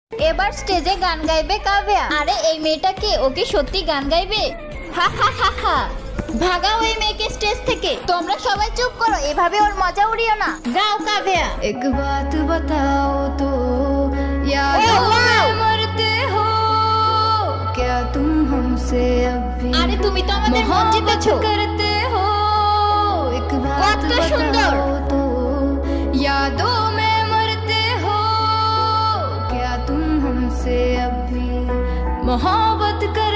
এবার স্টেজে গান গাইবে কাব্যা। আরে এই মেয়েটা কে? ও কি সত্যি গান গাইবে? হা হা হা হা। ভাগাও এই মেয়েকে স্টেজ থেকে। তোমরা সবাই চুপ করো, এভাবে ওর মজা উড়িও না। গাও কাব্যা। एक बात बताओ तो यादों में मरते हो क्या तुम हमसे अब भी আরে তুমি তো আমাদের মন জিতেছো। करते हो एक बात কত সুন্দর। बताओ तो यादों में मरते हो क्या तुम हमसे अब भी मोहब्बत कर